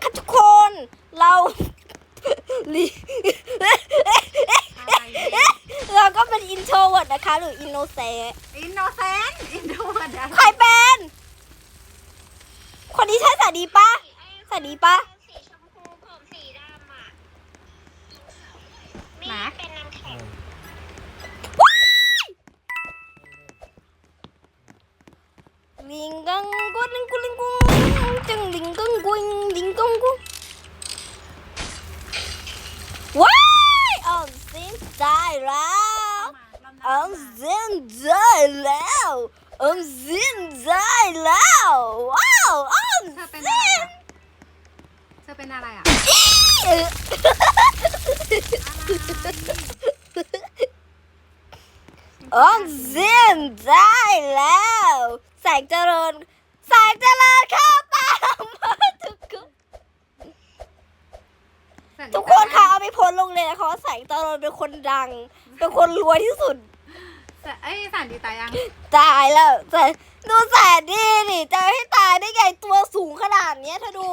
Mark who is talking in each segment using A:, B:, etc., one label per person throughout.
A: ค่ะทุกคนเราเราก็เป็นอินโทรเวิร์ดนะคะหรืออินโนเซนต์
B: อินโนเซนต์อินโทรเวิร์ด
A: ใครเป็นคนนี้ใช่สาดีปะสาดีปะ
C: สีชมพูผมสีดำอ่ะนี่เป็นน้ำแข็ง
A: ลิงกังกุลิงกุลิงกุงจังลิงกังกุงลิงกังกุงว้ายออมสินได้แล้วออมสินได้แล้วออมสินได้แล้วว้าวออม
B: เธอเป็น
A: สิ
B: อะไร
A: น
B: อ่ะเธอเป็นอะไรอ่ะ
A: ออมสินได้แล้วแสงเจริญแสงเจริญเข้าตามมาทุกคนค่ะเอาไปโพสลงเลยนะคะว่าแสงเจริญเป็นคนดังเป็นคนรวยที่สุด
B: เอ้ยสารดีตายยัง
A: ตายแล้วแต่ดูแสนดีนี่จะให้ตายได้ไงตัวสูงขนาดเนี้ยเธอดู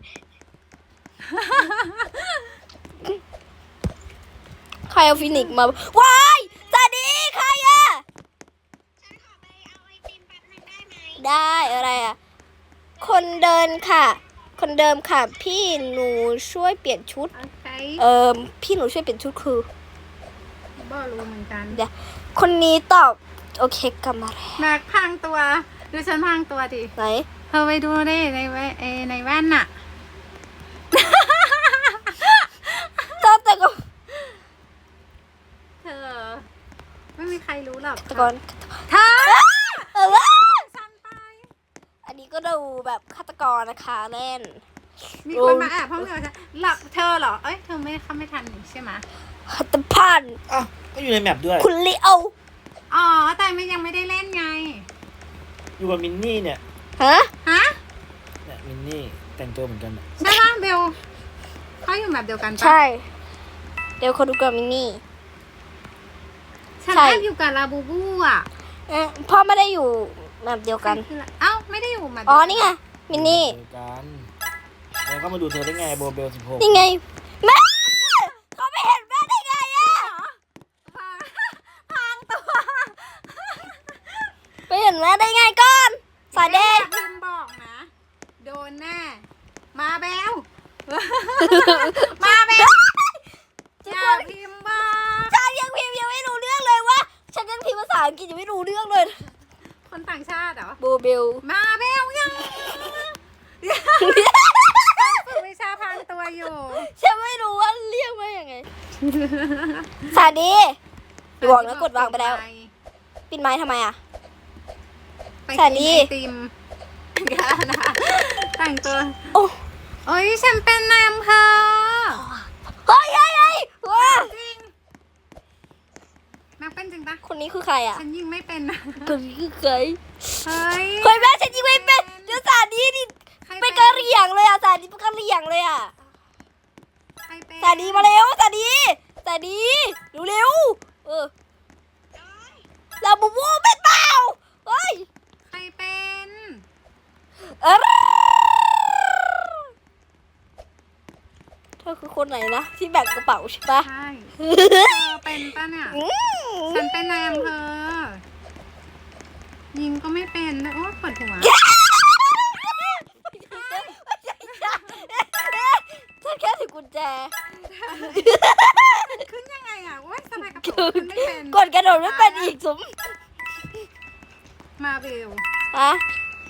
A: ใครเอาฟินิกซ์มาว้ายแสนดีใครอะ
C: ฉันขอไปเอาไอติมแป๊บนึงได้ไหม
A: ได้อะไรอะคนเดินค่ะ คนเดิมค่ะ พี่หนูช่วยเปลี่ยนชุด
B: โอเค
A: พี่หนูช่วยเปลี่ยนชุดคือ
B: บ่รู้เหมือนกัน
A: เดี๋ยวคนนี้ตอบโอเคกลับมาแล้ว
B: แม็กพังตัวดูฉันพังตัวดิ
A: ไหน
B: เธอไปดูดิในแว่นน่ะ
A: แต่ก็
B: เธอ ไม่มีใครรู้หรอก
A: แต่ก่อน
B: เธอฉันไป
A: อันนี้ก็ดูแบบฆาตกรนะคะเล่น
B: มีคนมาแอบห้องเธอหลับเธอเหรอ เอ้ยเธอไม่เข้าไม่ทันนี่ใช่ไหม
A: ฆาตพันธ์
D: อ้าวก็อยู่ในแมปด้วย
A: คุณลิโอ
B: อ๋อแต่ไม่ยังไม่ได้เล่นไง
D: อยู่กับมินนี่เนี่ย
A: ฮะ
B: ฮะ
D: เนี่ยมินนี่แต่งตัวเหมือนกันอะ
B: ใช่ป่ะเบลเขาอยู่แบบเดียวกันปะ
A: ใช่ เดี๋ยวเขาดูกับมินนี่
B: ฉัน
A: ใช่
B: แอบอยู่กับลาบูบูอ่ะ
A: พ่อไม่ได้อยู่แบบเดียวกัน
B: เอ้าไม่ได้อยู่แบบ
A: อ๋อ นี่ไง มินนี่
D: เจอกันแล้วก็มาดูเธอได้ไงโบเบล16
A: นี่ไง แม่เขาไม่เห็นแม่ได้ไงอะ
B: พังตัว
A: ไม่เห็นแม่ได้ไงก่อนสายเดย์
B: พิมพ์บอกนะ โดนแน่ มาเบล มาเบลอย่าพิมพ์บอก
A: ฉันยังพิมพ์ยังไม่รู้เรื่องเลยว่า ฉันยังพิมพ์ภาษาอังกฤษยังไม่รู้เรื่องเลย
B: คนต่างชาติเหรอ
A: โบเบล
B: มาเบลยังฝึกวิชาพังตัวอยู่
A: ฉันไม่รู้ว่าเรียกว่ายังไง สวัสดีอย่าบอกนะกดวางไปแล้ว ปิดไม้ทำไมอะ
B: ไป
A: สวัสดี
B: กินไอติมกันนะแต่งตัว
A: โอ้
B: โอ้ยฉันเป็นนายอำเภอ
A: เฮ้ยเฮ้ยเฮ้ยว้า
B: จริงแม็กเป็นจริงปะ
A: คนนี้คือใครอะ
B: ฉันยิงไม่เป็นนะ
A: คนนี้คือใคร
B: เฮ้ย
A: เฮ้ยแม่ฉันยิงไม่เป็นเดี๋ยวสาดีดิ
B: ใคร
A: เป็นกะเหรี่ยงเลยอะสาดีเป็นกะเหรี่ยงเลยอะ
B: ใครเป็น
A: สาดีมาเร็วสาดีเร็วๆเราบูบูเป็นเปล่าเฮ้ย
B: ใครเป็น
A: เออเธอคือคนไหนนะที่แบกกระเป๋าใช่ปะ
B: ใช่เธอเป็นปะเนี่ย ฉันเป็นนายอำเภอ ยิงก็ไม่เป็นนะโอ้ปวดหัว
A: ฉันแค่ถือกุญแจ
B: ขึ้นยังไงอ่ะโอ้ยสบายกระเป๋าขึ้นไม่เป็น
A: กดกระโดดไม่เป็นอีกสม
B: มาเบล
A: ฮะ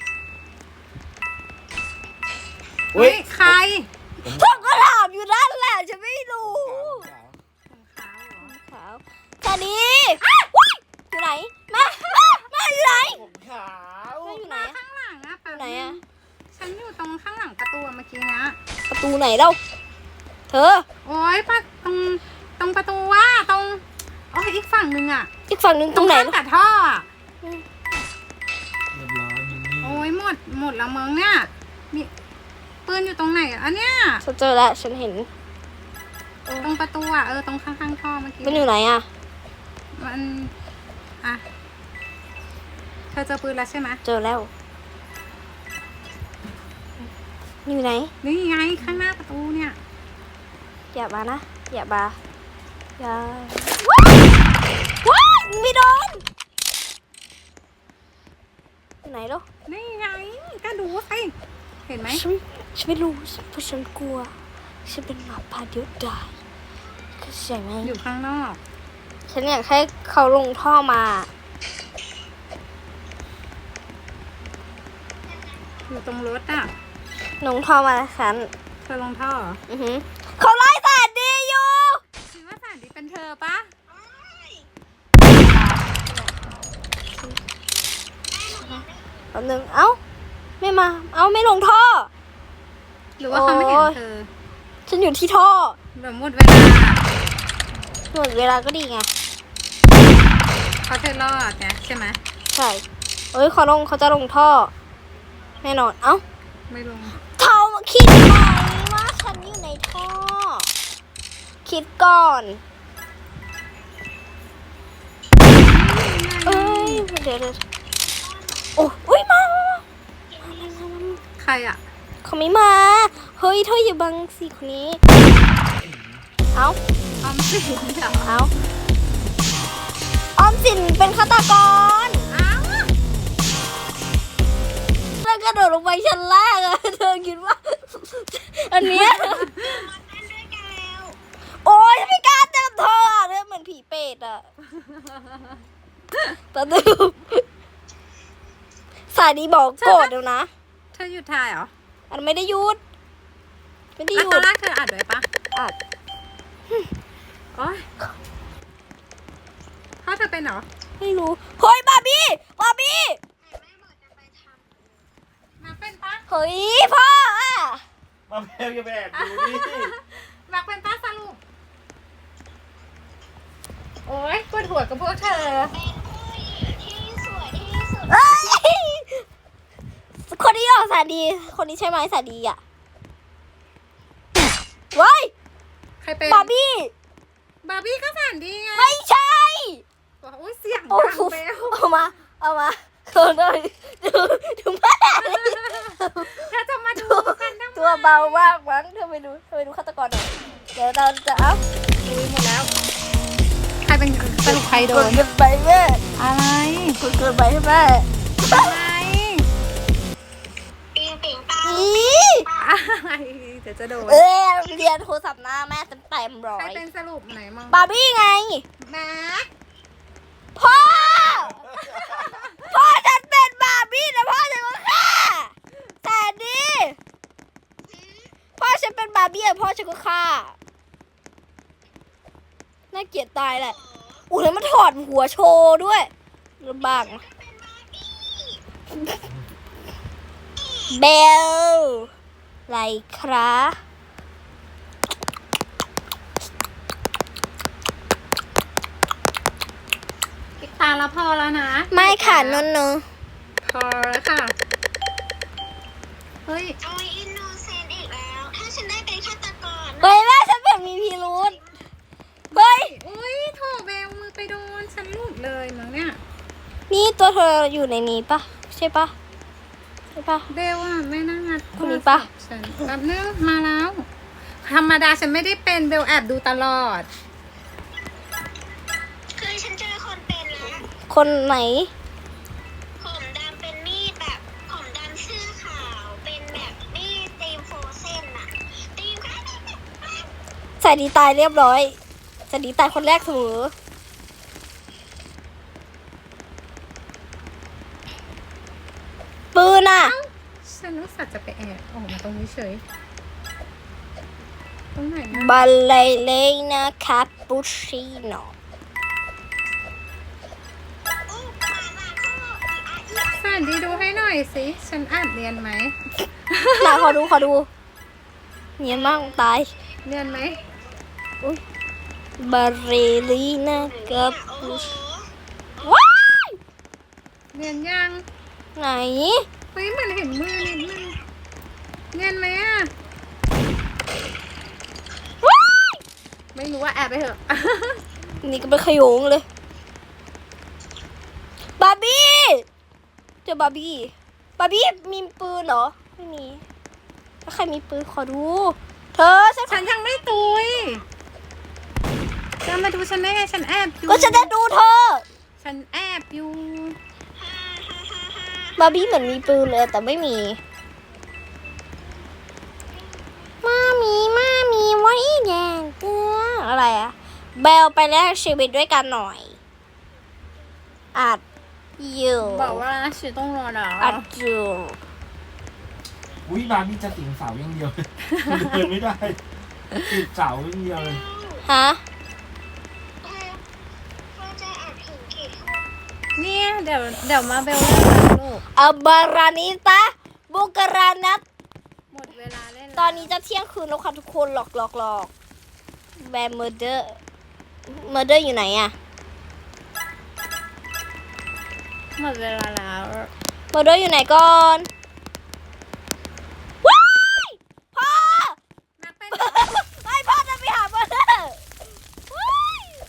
D: เฮ้
B: เฮ้
D: ย
B: ยใคร
A: เธอก็ถามอยู่นั่นแหละฉันไม่รู้
B: ของขาวเหรอ
A: ขาวสวัสดีว้ายอยู่ไหนมาอยู่ไหน
D: ผมขาว
A: แม่อยู่ไหน
B: มา
A: อะ
B: ข้างหลังอะ
A: อยู่ไหนอะ
B: ฉันอยู่ตรงข้างหลังประตูเมื่อกี้นะ
A: ประตูไหนเล่าเธอ
B: โอ้ยตรงประตูว่าตรงโอ้ยอีกฝั่งหนึ่งอะ
A: อีกฝั่งนึงตรงไหน
B: ข้ามกับท่ออะ
D: เรียบร้อยมินนี่
B: โอ้ยหมดแล้วมึงเนี่ยมีปืนอยู่ตรงไหนอะอันเนี้ย
A: ฉันเจอแล้วฉันเห็น
B: ตรงประตูอะตรงข้างๆท่อเมื่อกี้
A: มันอยู่ไหนอะ
B: มันอะเธอเจอปืนแล้วใช่ไหม
A: เจอแล้วอยู่ไหน
B: นี่ไงข้างหน้าประตูเนี่ย
A: อย่ามานะ อย่ามาอย่าว้ายไม่โดนอยู่ไหนลูก
B: นี่ไงก็ดูสิเห็นไหม
A: ฉันไม่รู้เพราะฉันกลัว ฉันเป็นหมาป่าเดียวดายเข้าใจไหม
B: อยู่ข้างนอก
A: ฉันอยากให้เขาลงท่อมา
B: อยู่ตรงรถอ่ะ
A: ลงท่อมาฉัน
B: เธอลงท่อเหรอ
A: อือหือเขาไล่แสนดีอยู่
B: คิดว่าสารดีเป็นเธอปะ
A: แป๊บนึงเอ้าไม่มา เอ้าไม่ลงท่อ
B: หรือว่าเขาไม่เห็นเธอ
A: ฉันอยู่ที่ท่อ
B: แบบหมดเวลา
A: หมดเวลาก็ดีไง
B: เขาเธอรอดไงใช่ไหม
A: ใช่เอ้ยเขาจะลงท่อ แน่นอน เอ้า
B: ไม่ลง
A: เขาคิดไหมว่าฉันอยู่ในท่อ คิดก่อน เอ้ยเดี๋ยวโอ้อุ้ยมา
B: ใครอ่ะ
A: เขาไม่มา เฮ้ยเธออย่าบังสิคนนี้ เอ้า
B: ออมสินเหรอ
A: เอ้าออมสินเป็นฆาตกร
B: อ้าว
A: แล้วกระโดดลงไปชั้นแรกอะเธอคิดว่า อันเนี้ย
C: มาเต้นด้วยกันแล้ว
A: โอ๊ยไม่กล้าเจอเธออะเธอเหมือนผีเปรตอะตะดึมสายดีบอกโกรธเดี๋ยวนะ
B: เธอหยุดถ่ายเหรอ
A: อันไม่ได้หยุด ไม่ได้ห
B: แล้ว
A: ยุ
B: ตอ
A: ด
B: นแรกเธออัดไว้ปะ
A: อัด
B: โอ๊ยพ่อเธอเป็นเหรอ
A: ไม่รู้ เฮ้ยบาร์บี้ บาร์บี้
C: แต่แม่บอกจะไปทำ
B: มาเป็นปะ
A: เฮ้ยพ่ออะ
D: มาเบลอย่าไปแอบดูดิ
B: มาเป็นปะสรุปโอ๊ยปวดหัวกับพวกเธอ
C: เป็นผู้หญิงที่สวยที่สุด
A: เอ้ยคนนี้ออกสายดี คนนี้ใช่ไหมสายดีอะเว้ย
B: ใครเป็น
A: บาร์บี้
B: บาร์บี้ก็แสนดีไง
A: ไม่ใช่
B: โอ้ยเสียง
A: โอ้
B: ดัง
A: โห
B: เบล
A: เอามาโดนเลยดูแม่
B: เธอจะมาดูกันทำไม
A: ตัวเบามากมั้งเธอไปดูฆาตกรหน่อยเดี๋ยวเราจะเอา
B: ดูหมดแล้ว ใครเป็นสรุปใครโด
A: กด
B: น
A: เกินไปแม่
B: อะไร
A: กดเกินไปให้แม่
B: อะไร
C: ปิงปิงปัง
A: อี
B: อะไรเดี๋ยวจะโดน
A: เออเรียนโทรศัพท์หน้าแม่เต็มร้อ
B: ใคร
A: ย
B: เป็นสรุปไหนมอง
A: บาร์บี้ไง
B: แม็ก
A: พ่อ พ่อฉันเป็นบาร์บี้นะพ่อฉันก็ฆ่าแต่ดีพ่อฉันเป็นบาร์บี้อะพ่อฉันก็ฆ่าน่าเกลียดตายแหละอุ้ยแล้วมันถอดหัวโชว์ด้วยลำบากนะเบลไรครับ
B: ปิดตาแล้วพอแล้วนะ
A: ไม่ค่ะนน
B: พอแล้วค่ะ เฮ้ย
C: โอ้ยอินโนเซนต์อีกแล้ว ถ้าฉันได้เป็นฆาตกร
A: เฮ้ยแม่ฉันแบบมีพิรุษเฮ้ย
B: อุ้ยโถเบลมือไปโดนฉันหลุดเลยมั้งเนี่ย
A: นี่ตัวเธออยู่ในนี้ปะใช่ปะใช่ปะ
B: เบลอ่ะไม่น่างัด
A: คนนี้ปะ
B: ฉันแป๊บนึงมาแล้ว ธรรมดาฉันไม่ได้เป็นเบลแอบดูตลอด
C: คือฉันเจอคนเป็นแล้ว
A: คนไหน
C: ผมดำเป็นมีดแบบผมดำเสื้อขาวเป็นแบบมีดตีมโฟเซนอะตีมค่ะ
A: ใส่ดีตายเรียบร้อยใส่ดีตายคนแรกเสมอปืนอ่ะ
B: ฉันรู้สึกจะไปแอบออกมาตรงนี้เฉย ตรงไหนนะ
A: บัลเลเลนาคาปูชิโน
C: อู้มาคู่อีอา
B: แสนดีดูให้หน่อยสิ ฉันอ่านเรียนไหม
A: ไหนขอดูเนียนมากตาย
B: เรียนไหม
A: บัลเลลีนาคา
C: โอ้
A: ปู
C: โห
A: ชิว้าย
B: เรียนยัง
A: ไหน
B: เฮ้ยมันเห็นมือนิดนึงเรียนไหมอ่ะ
A: ว้าย
B: ไม่รู้ว่าแอบไปเถอะ
A: นี่ก็เป็นขโยงเลยบาร์บี้เจอบาร์บี้มีปืนเหรอไม่มีแล้วใครมีปืนขอดู เธอฉัน
B: ฉันยังไม่ตุยจะมาดูฉันได้ไงฉันแอบอยู่
A: ก็ฉันจะดูเธอ
B: ฉันแอบอยู่
A: บาร์บี้เหมือนมีปืนเลยแต่ไม่มีมามีไว้แดงเกลืออะไรอะเบลไปแลกชีวิตด้วยกันหน่อยอัดอยู่
B: บอกว่าฉันต้องรอนะ
A: อัดอยู่
D: อุ้ยบาร์บี้จะติ่งเสาอย่างเดียวเลยเดินไม่ได้ติดเสาอย่างเดียวเลย
A: ฮะ
C: เราจะอัดถึงกี่ทุ่ม
B: เนี่ยเดี๋ยวมาเบลเล่นนะลูก
A: อับารานิตาบุกรานัต
B: หมดเวลาเล่นแล้ว
A: ตอนนี้จะเที่ยงคืนแล้วค่ะทุกคนหลอกแบมเมอร์เดอร์อยู่ไหนอะ
B: หมดเวลาแล้ว
A: เมอร์เดอร์อยู่ไหนก่อนว้ายพ่อ
B: นักเป็น
A: ไอ้พ่อจะไปหาเมอร์เดอร์ว้าย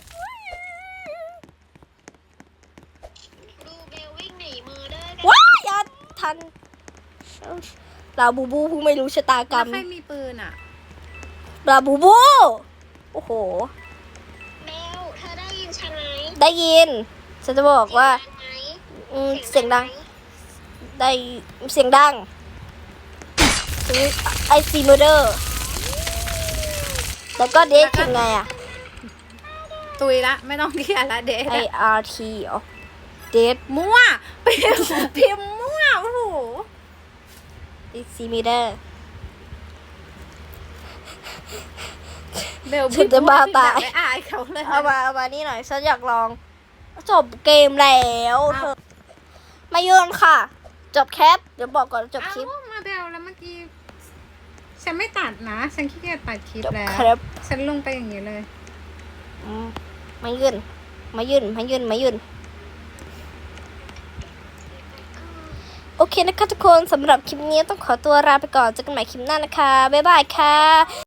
C: ดูเบลวิ่งหนีมือเด้อกัน
A: ว้ายอย่าทันลาบูบูผู้ไม่รู้ชะตากร
B: แล้
A: ร
B: ว
A: ม
B: ใครมีปืนอ่ะ
A: ลาบูบูโอ้โห
C: เบลเธอได้ยินฉันไหม
A: ได้ยินฉันจะบอกว่า
C: เสียงดังไหม
A: เสียงดัง ได้เสียงดังไอซีเมอร์เดอร์แล้วก็เดทคือไงอะ
B: ตุยละไม่ต้องเคลียร์ละเดท
A: ไออาร์ทีเหรอเดท
B: มั่วพิมพ์มั่วโอ้โห
A: ไอซีเมอร์เดอร์
B: เบล
A: ฉันจะบ้าตาย
B: ไม่อายเขาเลย
A: เอามานี่หน่อยฉันอยากลอง จบเกมแล้วเธอมาโยนค่ะ จบแคปเดี๋ยวบอกก่อนจบคลิป
B: เอ้ามาเบลแล้วเมื่อกี้ฉันไม่ตัดนะฉันขี้เกียจตัดคลิป
A: จบ
B: แล้ว
A: ครับ
B: ฉันลงไปอย่างนี้เลย
A: มายื่นโอเคนะคะทุกคนสำหรับคลิปนี้ต้องขอตัวลาไปก่อนเจอกันใหม่คลิปหน้านะคะบ๊ายบายค่ะ